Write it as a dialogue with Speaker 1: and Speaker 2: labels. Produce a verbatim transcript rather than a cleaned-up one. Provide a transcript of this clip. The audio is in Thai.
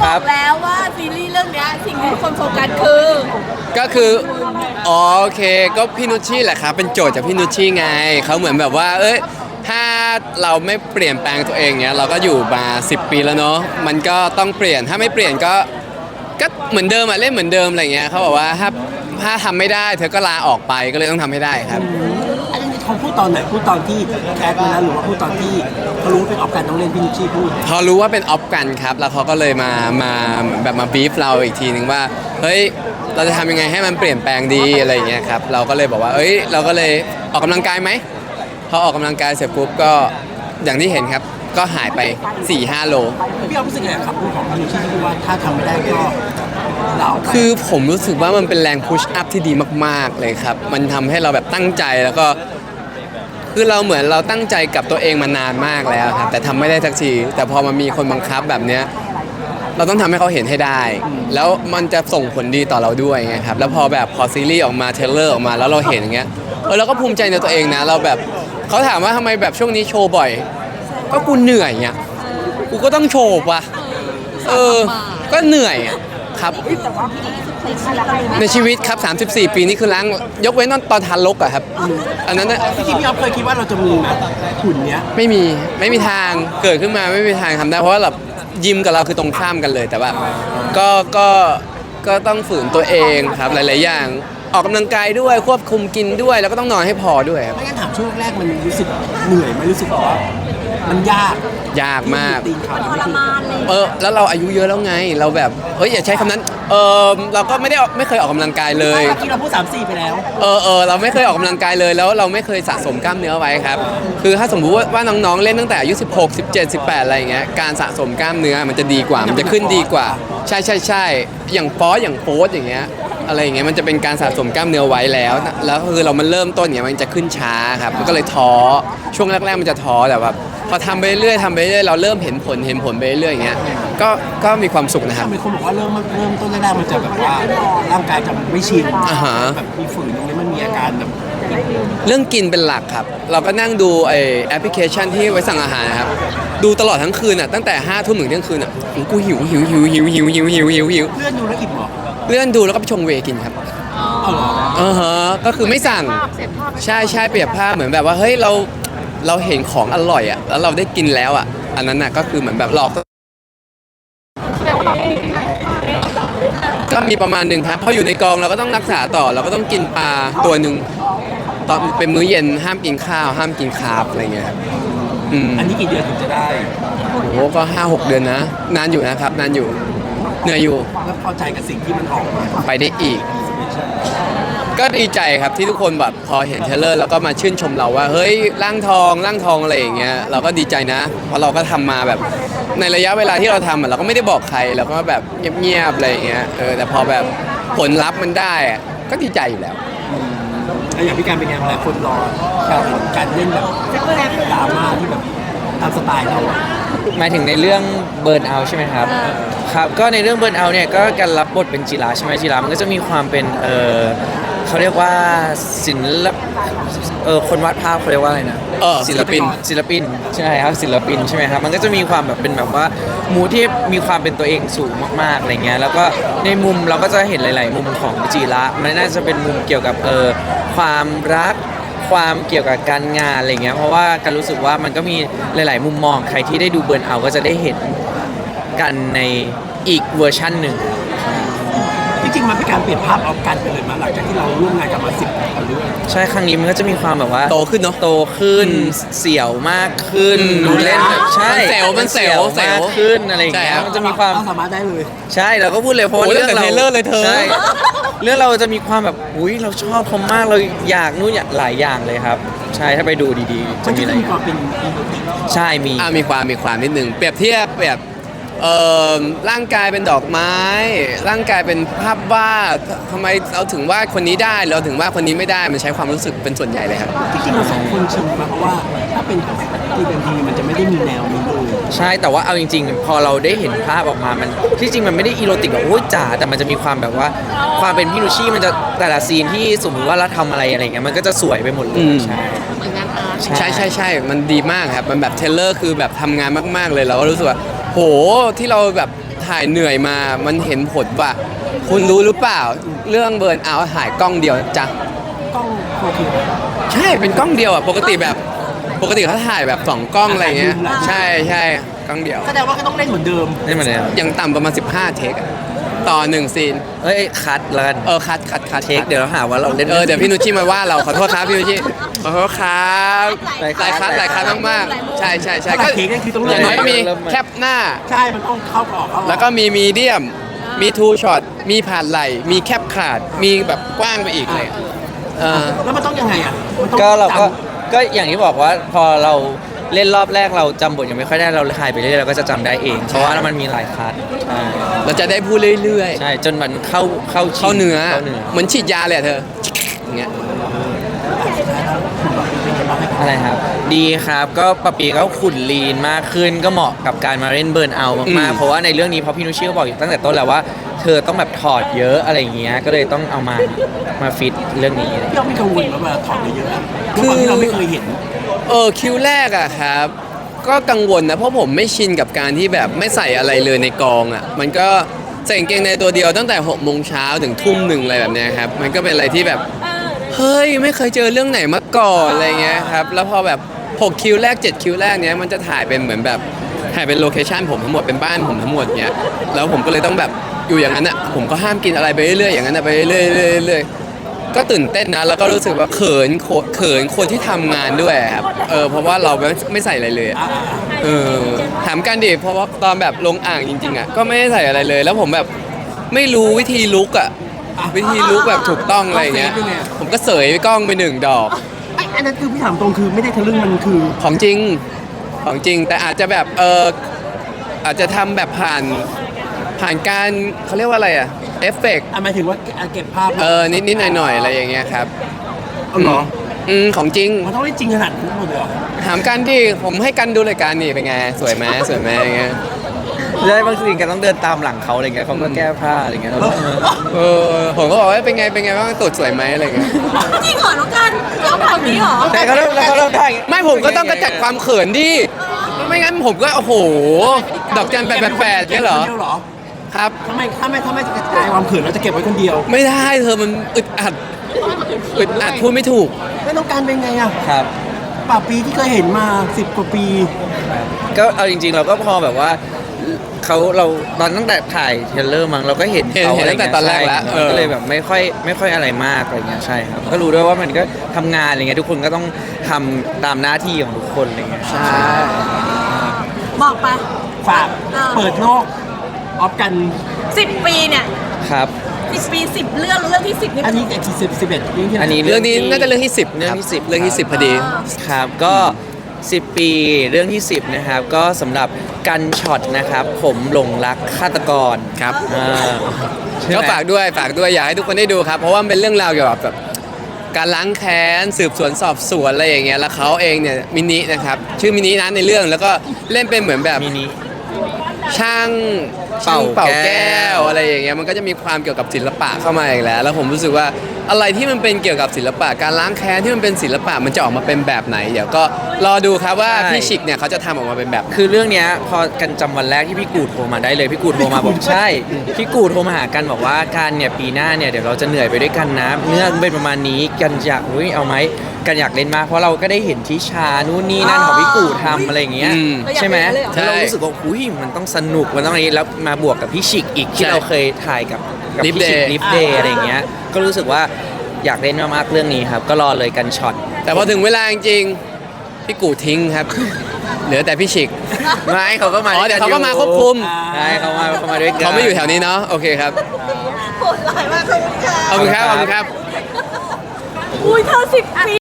Speaker 1: ครับ
Speaker 2: แล้วว่าซีรีส์เรื่องนี้สิ่งที่ทุกคนโฟกัสคือ
Speaker 1: ก็คืออ๋อโอเคก็พี่นุชชี่แหละครับเป็นโจทย์จากพี่นุชชี่ไงเขาเหมือนแบบว่าเอ้ยถ้าเราไม่เปลี่ยนแปลงตัวเองเนี้ยเราก็อยู่มาสิบปีแล้วเนาะมันก็ต้องเปลี่ยนถ้าไม่เปลี่ยนก็ก็เหมือนเดิมอะเล่นเหมือนเดิมอะไรเงี้ยเขาบอกว่าถ้าถ้าทำไม่ได้เธอก็ลาออกไปก็เลยต้องทำให้ได้ครับ
Speaker 3: อันนี้เขาพูดตอนไหนพูดตอนที่แคสมาแล้วหรือว่าพูดตอนที่เขารู้ว่าเป็นออฟกันต้องเล่นพี่นุชชี่พูด
Speaker 1: พอรู้ว่าเป็นออฟกันครับแล้วเขาก็เลยมามาแบบมาบีฟเราอีกทีนึงว่าเฮ้ยเราจะทำยังไงให้มันเปลี่ยนแปลงดีอะไรอย่างเงี้ยครับเราก็เลยบอกว่าเอ้ยเราก็เลยออกกำลังกายไหมพอออกกำลังกายเสร็จปุ๊บก็อย่างที่เห็นครับก็หายไป สี่ห้า โล
Speaker 3: พี่ออฟรู้สึกไงครับพูดของพี่นุชชี่ที่พูดว่าถ้าทำไม่ได้ก็ลาออกไป
Speaker 1: คือผมรู้สึกว่ามันเป็นแรงพุชอัพที่ดีมากๆเลยครับมันทำให้เราแบบตั้งใจแล้วก็คือเราเหมือนเราตั้งใจกับตัวเองมานานมากแล้วครับแต่ทำไม่ได้สักทีแต่พอมันมีคนบังคับแบบเนี้ยเราต้องทำให้เขาเห็นให้ได้แล้วมันจะส่งผลดีต่อเราด้วยไงครับแล้วพอแบบพอซีรีส์ออกมาเทรลเลอร์ออกมาแล้วเราเห็นอย่างเงี้ยเออเราก็ภูมิใจในตัวเองนะเราแบบเขาถามว่าทำไมแบบช่วงนี้โชว์บ่อยก็กูเหนื่อยเนี่ยกูก็ต้องโชว์ป่ะเออก็เหนื่อยครับในชีวิตครับสามสิบสี่ปีนี่คือล้างยกเว้นตอนทานลกอะครับอันนั้นนะ
Speaker 3: พี่พี่ออฟเคยคิดว่าเราจะมีไหมหุ่นเนี้ย
Speaker 1: ไม่มีไม่มีทางเกิดขึ้นมาไม่มีทางทำได้เพราะว่าแบบยิมกับเราคือตรงข้ามกันเลยแต่ว่าก็ก็ก็ต้องฝืนตัวเองครับหลายๆอย่างออกกำลังกายด้วยควบคุมกินด้วยแล้วก็ต้องนอนให้พอด้วยครับ
Speaker 3: ไม่งั้นถามช่วงแรกมันรู้สึกเหนื่อยไหมรู้สึกว่ามันยาก
Speaker 1: ยากมาก
Speaker 3: ตีนขา
Speaker 2: ทรมานเลย
Speaker 1: เออแล้วเราอายุเยอะแล้วไงเราแบบเฮ้ยอย่าใช้คำนั้นเออเราก็ไม่ได้ไม่เคยออกกำลังกายเลย
Speaker 3: เมื่อกี้เราพูดสามสี่ไปแล้ว
Speaker 1: เออเออเราไม่เคยออกกำลังกายเลยแล้วเราไม่เคยสะสมกล้ามเนื้อไว้ครับคือถ้าสมมุติว่าน้องๆเล่นตั้งแต่อายุสิบหก สิบเจ็ด สิบแปดอะไรอย่างเงี้ยการสะสมกล้ามเนื้อมันจะดีกว่ามันจะขึ้นดีกว่าใช่ใช่ใช่อย่างฟอสอย่างโฟสอย่างเงี้ยอะไรอย่างเงี้ยมันจะเป็นการสะสมกล้ามเนื้อไว้แล้วแล้วคือเรามันเริ่มต้นเนี่ยมันจะขึ้นช้าครับมันก็เลยท้อช่วงแรกๆมันจะท้อแต่ว่าพอทำไปเรื่อยๆทำไปเรื่อยๆเราเริ่มเห็นผลเห็นผลไปเรื่อยๆอย่างเงี้ยก็ก็มีความสุขนะครับ
Speaker 3: มีคนบอกว่าเริ่มเริ่มต้นแรกๆมันจะแบบว่าร่างกายจะไม่ชิน
Speaker 1: อ่าฮะ
Speaker 3: แบบมีฝืนตรงนี้มันมีอาการแบบ
Speaker 1: เรื่องกินเป็นหลักครับเราก็นั่งดูไอแอปพลิเคชันที่ไว้สั่งอาหารนะครับดูตลอดทั้งคืนอ่ะตั้งแต่ห้าทุ่มถึงเที่ยงคืนอ่ะกูหิวหิวหิวหิวหิวหิวหิวหิวหิว
Speaker 3: เลื่อนดูแล้วอิ่มหรอ
Speaker 1: เลื่อนดูแล้วก็ไปชงเวย์กินครับ
Speaker 3: อ๋อเหรอ
Speaker 1: อ่าฮะก็คือไม่สั่งใช่ใช่เปรียบภาพเหมือนแบบว่าเฮ้ยเราเราเห็นของอร่อยอ่ะแล้วเราได้กินแล้วอ่ะอันนั้นน่ะก็คือเหมือนแบบหลอกก็มีประมาณหนึ่งครับพออยู่ในกองเราก็ต้องรักษาต่อเราก็ต้องกินปลาตัวหนึ่งตอนเป็นมื้อเย็นห้ามกินข้าวห้ามกินคาร์บอะไรเงี้ยครับ
Speaker 3: อันนี้กี่เดือนถึงจะได้
Speaker 1: โอ้ก็ห้าหกเดือนนะนานอยู่นะครับนานอยู่เหนื่อยอยู่
Speaker 3: แล้วพอใจกับสิ่งที่มันออกมา
Speaker 1: ไปได้อีกก็ดีใจครับที่ทุกคนแบบพอเห็นเทเลอร์แล้วก็มาชื่นชมเราว่าเฮ้ยร่างทองร่างทองอะไรอย่างเงี้ยเราก็ดีใจนะเพราะเราก็ทำมาแบบในระยะเวลาที่เราทำเราก็ไม่ได้บอกใครเราก็แบบเงียบๆอะไรอย่างเงี้ยเออแต่พอแบบผลลัพธ์มันได้ก็ดีใจอยู่แล้ว
Speaker 3: แล้วอย่างพี่การเป็นไงหลายคนรอการเล่นแบบดราม่าที่แบบตามสไตล์เรา
Speaker 4: หมายถึงในเรื่องเบิร์นเอาใช่ไหมครับครับก็ในเรื่องเบิร์นเอาเนี่ยก็การรับบทเป็นจิราใช่ไหมจิรามันก็จะมีความเป็นเออเขาเรียกว่าศิลปเออคนวาดภาพเขาเรียกว่าอะไรนะ
Speaker 1: เออศิลปิน
Speaker 4: ศิลปินใช่ครับศิลปินใช่ไหมครับมันก็จะมีความแบบเป็นแบบว่ามูที่มีความเป็นตัวเองสูงมากๆอะไรเงี้ยแล้วก็ในมุมเราก็จะเห็นหลาย ๆ มุมของจิระมันน่าจะเป็นมุมเกี่ยวกับเออความรักความเกี่ยวกับการงานอะไรเงี้ยเพราะว่าการรู้สึกว่ามันก็มีหลาย ๆ มุมมองใครที่ได้ดูเบิร์นเอาก็จะได้เห็นกันในอีกเวอร์ชันหนึ่ง
Speaker 3: จริงๆมันเป็นการเปลี่ยนภาพออกกันไปเลยมาหลังจากที่เราร่วมงานกันมาสิบกว่าเรื่อง
Speaker 4: ใช่ครั้งนี้มันก็จะมีความแบบว่า
Speaker 1: โตขึ้นเนาะ
Speaker 4: โตขึ้นเสี่ยวมากขึ้นดูเล่นแบบใช่
Speaker 1: เซลมันเซล
Speaker 4: มากขึ้นอะไรอย่างเงี้ยมันจะมีความ
Speaker 3: สามารถได้เลย
Speaker 4: ใช่เราก็พูดเลยเพราะเรื่องเรา
Speaker 1: เรื่องเลยเธอ
Speaker 4: ใช่เรื่องเราจะมีความแบบอุ้ยเราชอบเขามากเราอยากนู่นอยากหลายอย่างเลยครับใช่ถ้าไปดูดีๆจะมีอะไร
Speaker 3: ความเป็น
Speaker 4: ใช่มี
Speaker 1: อ่ามีความมีความนิดนึงเปรียบเทียบแบบเอ่อร่างกายเป็นดอกไม้ร่างกายเป็นภาพวาดทำไมเราถึงว่าคนนี้ได้เราถึงว่าคนนี้ไม่ได้มันใช้ความรู้สึกเป็นส่วนใหญ่เลยครับ
Speaker 3: จริงๆเราสองคนชินมาเพราะว่าถ้าเป็นทีเป็นทีมันจะไม่ได้มีแนวนี้เลย
Speaker 4: ใช่แต่ว่าเอาจริงๆพอเราได้เห็นภาพออกมามันที่จริงมันไม่ได้อีโรติกแบบโอ้ยจ๋าแต่มันจะมีความแบบว่าความเป็นพี่นุชชี่มันจะแต่ละซีนที่สมมติว่าเราทำอะไรอะไรเงี้ยมันก็จะสวยไปหมดเลยใช่
Speaker 1: ใช่ใช่ใช่มันดีมากครับมันแบบเทเลอร์คือแบบทำงานมากๆเลยเราก็รู้สึกว่าโหที่เราแบบทถ่ายเหนื่อยมา มันเห็นผลว่า คุณรู้หรือเปล่า เรื่องเบิร์นเอาท์ถ่ายกล้องเดียวจ้ะ
Speaker 3: กล้องโอเค
Speaker 1: ใช่เป็นกล้องเดียวอ่ะปกติแบบปกติเขาถ่ายแบบสองกล้องอะไรเงี้ยใช่ใช่กล้องเดียว
Speaker 3: แสดงว่าก็ต้องเล่นเหมือนเดิม
Speaker 4: นี่มันเนี่ย
Speaker 1: ยังต่ำประมาณสิบห้าเทคอะต่อหนึ่งซีน
Speaker 4: เอ้ยคัดแล้วกัน
Speaker 1: เออคัดคัดคัด
Speaker 4: เทคเดี๋ยวเราหาว่าเราเล่น
Speaker 1: เออเดี๋ยวพี่นุชชิมาว่าเราขอโทษครับพี่นุชชิขอโทษครับ
Speaker 4: หลาย
Speaker 1: หลายคัดหลายคัดมากๆใช่ใช่ใช่
Speaker 3: ถ้า
Speaker 1: ก็
Speaker 3: เค้กนั่นคือต้อง
Speaker 1: อ
Speaker 3: เล่
Speaker 1: ย่าน งน้อยก็มี
Speaker 4: เริ่มใหม่
Speaker 1: แคปหน้า
Speaker 3: ใช่มันต้องเข้าออกเข้าออก
Speaker 1: แล้วก็มีมีเดียม มีทูช็อต มีผ่านไหล มีแคปขาด มีแบบกว้างไปอีกเลยเออ
Speaker 3: แล้วมันต้องยังไงอ่ะมันต้อง
Speaker 4: ก็เราก็
Speaker 3: จ
Speaker 4: ก็อย่างที่บอกว่าพอเราเล่นรอบแรกเราจำบทยังไม่ค่อยได้เราถ่ายไปเรื่อยๆเราก็จะจำได้เอง เพราะว่ามันมีหลายคัดใช่
Speaker 1: เราจะได้พูดเรื่อย
Speaker 4: ใช่จนมันเข้าเข้า
Speaker 1: ๆ
Speaker 4: ชิง
Speaker 1: เข้าเนื้อ
Speaker 4: เข้าเนื้อ
Speaker 1: เหมือนฉีดยาเลยอะเธออย่างเงี้ย
Speaker 4: อะไรครับ ดีครับก็ปะปีก็ขุ่นลีนมากขึ้นก็เหมาะกับการมาเล่นเบิร์นเอาท์มาก
Speaker 1: อืม
Speaker 4: ๆเพราะว่าในเรื่องนี้เพราะพี่นุชชี่ก็บอกอยู่ตั้งแต่ต้นแล้วว่า เธอต้องแบบถอดเยอะอะไรอย่างเงี้ยก็เลยต้องเอามามาฟิตเรื่องนี้
Speaker 3: พี่เราไม่กังวลว่าเวลาถอดเยอะๆอะด้วยความที่เราไม่เคยเห็น
Speaker 1: เออคิวแรกอะครับ ก็กังวลนะเพราะผมไม่ชินกับการที่แบบไม่ใส่อะไรเลยในกองอะมันก็ใส่กางเกงในตัวเดียวตั้งแต่หกโมงเช้าถึงทุ่มหนึ่งอะไรแบบเนี้ยครับมันก็เป็นอะไรที่แบบเฮ้ยไม่เคยเจอเรื่องไหนมาก่อนอะไรเงี้ยครับแล้วพอแบบหกคิวแรกเจ็ดคิวแรกเนี้ยมันจะถ่ายเป็นเหมือนแบบถ่ายเป็นโลเคชั่นผมทั้งหมดเป็นบ้านผมทั้งหมดเนี้ยแล้วผมก็เลยต้องแบบอยู่อย่างนั้นอะผมก็ห้ามกินอะไรไปเรื่อยๆอย่างนั้นอะไปเรื่อยๆเรื่อยๆเรื่อยๆ ก็ตื่นเต้นนะแล้วก็รู้สึกว่าเขินโคเขินคนที่ทำงานด้วยครับเออเพราะว่าเราไม่ไม่ใส่อะไรเลยอะเออถามกันดิเพราะว่าตอนแบบลงอ่างจริงๆอ่ะก็ไม่ได้ใส่อะไรเลย แล้วผมแบบไม่รู้วิธีลุกอ่ะวิธีลุกแบบถูกต้องอะไรอย่างเงี้ยผมก็เสยกล้องไปหนึ่งดอก
Speaker 3: ไอ้อันนั้นคือพี่ถามตรงคือไม่ได้ทะลึ่งมันคือ
Speaker 1: ของจริงของจริงแต่อาจจะแบบเอออาจจะทำแบบผ่านผ่านการเขาเรียกว่าอะไรอ่ะเอฟเฟกต์
Speaker 3: อ่ะหมายถึงว่าเก็บภาพ
Speaker 1: เออนิดๆหน่อยๆอะไรอย่างเงี้ยครับ
Speaker 3: เอาเหรอ
Speaker 1: อืมของจริง
Speaker 3: มันต้องเล่นจริงขนาดนั้นหมดเลยเหรอ
Speaker 1: ถามกันดิผมให้กันดูรายการนี่เป็นไง สวยไหมสวยไหมอย่างเงี้ย
Speaker 4: ใช่บางทีกันต้องเดินตามหลังเขาอะไรเงี้ยเขาก็แก้ผ้าอะไรเงี้ยเราก็เออ
Speaker 1: เออผมก็บอกว่าเป็นไงเป็นไงบ้างตูดสวยไหมอะไรเงี้ย
Speaker 2: จริงเหรอน้องกันชอบแบบนี้เหรอ
Speaker 4: แต่เขาเริ่มแล้วเขาเริ่มได้อย่างงี้
Speaker 1: ไม่ผมก็ต้องกระจัดความเขินดิไม่งั้นผมก็โอ้โห ดอกจันแปดแปดแปดเนี่ยเหรอ
Speaker 3: ก็บไว้คนดียวเหรอ
Speaker 1: ครับ
Speaker 3: ทำไมถ้าไม่ถ้าไม่กระจายความเขินเราจะเก็บไว้คนเดียว
Speaker 1: ไม่ได้เธอมันอึดอัดอึดอัดพูดไม่ถูก
Speaker 3: ไม่ต้องการเป็นไงอ่ะ
Speaker 4: ครับ
Speaker 3: ป่าปีที่เคยเห็นมาสิบกว่าปี
Speaker 4: ก็เอาจริง ๆ เราก็พอแบบว่าเขาเราตอนตั้งแต่ถ่ายเทรลเลอร์มั้งเราก็เห็น
Speaker 1: เห็น
Speaker 4: เขา
Speaker 1: เห็นตั้งแต่ตอนแรกแล้ว
Speaker 4: ใช่
Speaker 1: เออ
Speaker 4: ก็เลยแบบไม่ค่อยไม่ค่อยอะไรมากอะไรเงี้ยใช่ครับก็รู้ด้วยว่ามันก็ทำงานอะไรเงี้ยทุกคนก็ต้องทำตามหน้าที่ของทุกคนอะไรเงี้ยใช่
Speaker 2: บอกไป
Speaker 3: ฝากเปิดโลกออฟกัน
Speaker 2: สิบปีเนี่ย
Speaker 4: ครับ
Speaker 2: สิบปีสิบเรื่องเรื่องที่สิบนี่
Speaker 3: อันนี้เอ็กซ์สิบสิบเอ็ดเรื่องที่ไห
Speaker 4: อันนี้
Speaker 1: เรื่องนี้น่าจะเรื่องที่สิบ
Speaker 4: เรื่องที่สิบ
Speaker 1: เรื่องที่สิบพอดี
Speaker 4: ครับก็ สิบ ปีเรื่องที่ สิบนะครับก็สำหรับกันช็อตนะครับผมหลงรักฆาตกร
Speaker 1: ครับ
Speaker 4: อ่า
Speaker 1: ก็ฝากด้วยฝากด้วยอยากให้ทุกคนได้ดูครับ เพราะว่ามันเป็นเรื่องราวเกี่ยวกับแบบการล้างแค้นสืบสวนสอบสวนอะไรอย่างเงี้ยแล้วเขาเองเนี่ยมินินะครับชื่อมินินะในเรื่องแล้วก็เล่นเป็นเหมือนแบบ
Speaker 4: มินิ
Speaker 1: ช่าง
Speaker 4: เป่า
Speaker 1: ช่งเป่า
Speaker 4: แก้
Speaker 1: แก้
Speaker 4: ว
Speaker 1: วอะไรอย่างเงี้ยมันก็จะมีความเกี่ยวกับศิลปะเข้ามาอีกแล้ว แล้วผมรู้สึกว่าอะไรที่มันเป็นเกี่ยวกับศิลปะการล้างแค้นที่มันเป็นศิลปะมันจะออกมาเป็นแบบไหนเดี๋ยวก็รอดูครับว่าพี่ชิกเนี่ยเขาจะทำออกมาเป็นแบบไหน
Speaker 4: คือเรื่องเนี้ยพอกันจำวันแรกที่พี่กูดโทรมาได้เลยพี่กูดโทรมาบอกใช่พี่กูดโทรมาหากันบอกว่าการเนี่ยปีหน้าเนี่ยเดี๋ยวเราจะเหนื่อยไปด้วยกันนะเนื้อเป็นประมาณนี้กันอยากอุ้ยเอาไหมกันอยากเล่นมากเพราะเราก็ได้เห็นทิชานู่นนี่นั่นของพี่กูดทำอะไรอย่างเงี้ย
Speaker 1: อืม
Speaker 4: ใช่ไหม
Speaker 1: ใช่
Speaker 4: แล้วเรารู้สึกว่าอุ้ยมันต้องสนุกมันต้องอะไรแล้วมาบวกกับพี่ชิกอีกที่
Speaker 1: ใช่
Speaker 4: เราเคยถ่ายกับกับ
Speaker 1: Lift
Speaker 4: พี่ชิก
Speaker 1: Day
Speaker 4: ลิฟเดย์อะไรอย่างเงี้ยก็รู้สึกว่าอยากเล่นมากๆเรื่องนี้ครับก็รอเลยกันช็อต
Speaker 1: แต่พอถึงเวลาจริงๆพี่กูทิ้งครับ เหลือแต่พี่ชิก
Speaker 4: ไม่เขาก็มา
Speaker 1: อ๋อ
Speaker 4: ด้
Speaker 1: เดี๋ยว
Speaker 4: กัน
Speaker 1: เขาก็มาควบคุม
Speaker 4: ใช่เขามาเขามาด้วยกัน
Speaker 1: เขาไม่อยู่แถวนี้เนาะโอเคครับ
Speaker 2: โหดร้ายมากเลยค่ะ
Speaker 1: ขอบคุณครับขอบคุณครับ
Speaker 2: อุ้ยเธอสิบปี